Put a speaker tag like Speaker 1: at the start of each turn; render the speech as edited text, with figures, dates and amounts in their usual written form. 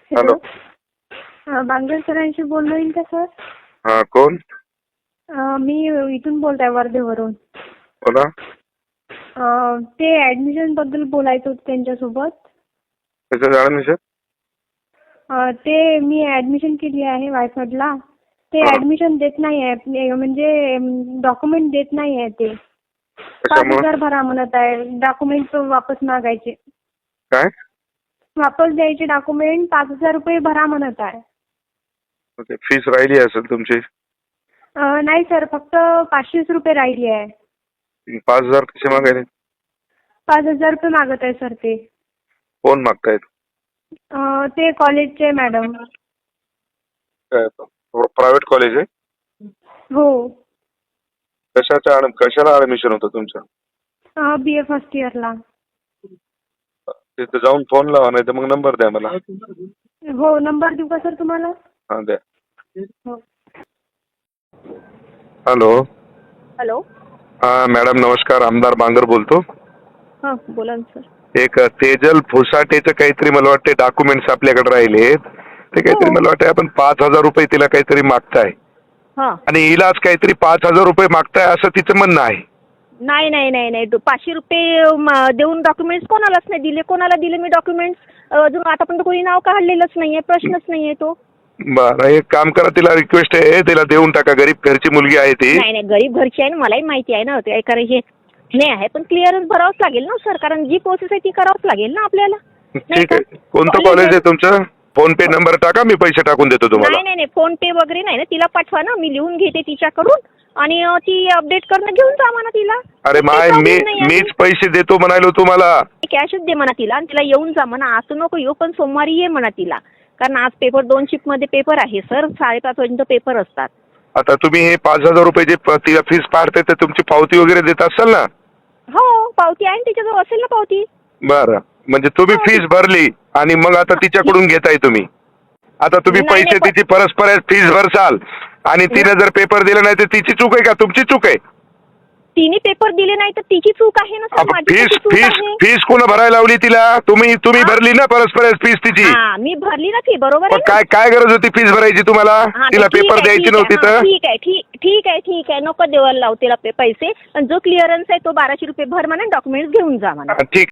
Speaker 1: Hello.
Speaker 2: Bangar सरांशी बोलणं येईल का सर?
Speaker 1: हा, कोण?
Speaker 2: मी इथून बोलते वर्धेवरून.
Speaker 1: बोला.
Speaker 2: ते ऍडमिशन बद्दल बोलायचं होतं त्यांच्यासोबत.
Speaker 1: त्याचं ऍडमिशन?
Speaker 2: ते मी ऍडमिशन केली आहे वायफडला. ते ऍडमिशन देत नाही आहे, म्हणजे डॉक्युमेंट देत नाही आहे ते. 5,000 भरा म्हणत आहे. डॉक्युमेंट वापस मागायचे.
Speaker 1: काय?
Speaker 2: वापस द्यायचे डॉक्युमेंट 5,000 रुपये भरा म्हणत आहे.
Speaker 1: ओके, फीस राहिली असेल तुमची.
Speaker 2: नाही सर, फक्त 500 रुपये राहिली आहे.
Speaker 1: 5,000 कसे मागायले?
Speaker 2: 5,000 रुपये मागत आहे सर ते.
Speaker 1: कोण मागतायत?
Speaker 2: ते कॉलेजचे मॅडम.
Speaker 1: प्रायव्हेट कॉलेज आहे?
Speaker 2: हो.
Speaker 1: कशाला ऍडमिशन होतं तुमचं?
Speaker 2: BA फर्स्ट इयरला.
Speaker 1: तिथे जाऊन फोन लावा, नाही तर मग नंबर द्या मला.
Speaker 2: हो, नंबर देऊ का सर तुम्हाला?
Speaker 1: हा, द्या.
Speaker 2: हो.
Speaker 1: हॅलो.
Speaker 2: हॅलो.
Speaker 1: हा मॅडम, नमस्कार. आमदार बांगर बोलतो.
Speaker 2: हां, बोला ना सर.
Speaker 1: एक तेजल फुसाटेचं काहीतरी मला वाटते डॉक्युमेंट्स आपल्याकडे राहिलेत. ते काहीतरी मला वाटतं आपण 5,000 रुपये तिला काहीतरी मागताय आणि हिलाच काहीतरी 5,000 रुपये मागताय असं तिचं म्हणणं आहे.
Speaker 3: नाही नाही नाही नाही 500 रुपये देऊन डॉक्युमेंट्स कोणालाच नाही दिले. कोणाला दिले मी डॉक्युमेंट्स? अजून आतापर्यंत कोणी नाव काढलेलंच नाहीये. प्रश्नच नाहीये तो.
Speaker 1: बरं, एक काम करा, तिला रिक्वेस्ट आहे, तिला देऊन टाका. गरीब घरची मुलगी आहे ती.
Speaker 3: नाही नाही, गरीब घरची आहे ना, मलाही माहिती आहे ना. ते कारण हे नाही आहे, पण क्लिअरन्स भरावंच लागेल ना सर, कारण जी प्रोसेस आहे ती करावंच लागेल ना आपल्याला.
Speaker 1: ठीक आहे. कोणतं कॉलेज आहे तुमचं? फोन पे नंबर टाका, मी पैसे टाकून देतो तुम्हाला.
Speaker 3: नाही नाही नाही, फोन पे वगैरे नाही ना. तिला पाठवा ना, मी लिहून घेते तिच्याकडून आणि ती अपडेट करणं घेऊन जा म्हणा तिला.
Speaker 1: अरे माय, मीच पैसे देतो म्हणालो तुम्हाला.
Speaker 3: कॅशच दे म्हणा तिला आणि तिला येऊन जा म्हणा. आज नको येऊ, पण सोमवारी ये म्हणा तिला. कारण आज पेपर 2 शिफ्टमध्ये पेपर आहे सर. 5:30 पर्यंत पेपर असतात.
Speaker 1: आता तुम्ही हे 5,000 रुपये जे तिला फीस पाडते तर तुमची पावती वगैरे देत असाल ना?
Speaker 3: हो, पावती आहे तिच्याजवळ, असेल ना पावती.
Speaker 1: बरं, म्हणजे तुम्ही फीस भरली आणि मग आता तिच्याकडून घेताय तुम्ही. आता तुम्ही पैसे तिची परस्पर फीस भरसाल आणि तिने जर पेपर दिला नाही तर तिची चूक आहे का तुमची चूक आहे?
Speaker 3: तिने पेपर दिले नाही तर तिची चूक आहे ना सर. माझी चूक आहे.
Speaker 1: फीस कोण भरायला लावली तिला? तुम्ही भरली ना परस्पर फीस तिची.
Speaker 3: मी भरली ना फी, बरोबर आहे.
Speaker 1: काय गरज होती फीस भरायची तुम्हाला? तिला पेपर द्यायची नव्हती तर?
Speaker 3: ठीक आहे, नको देवाला लावू तिला पैसे. जो क्लिअरन्स आहे तो 1,200 रुपये भर म्हणा, डॉक्युमेंट्स घेऊन जा म्हणा.
Speaker 1: ठीक.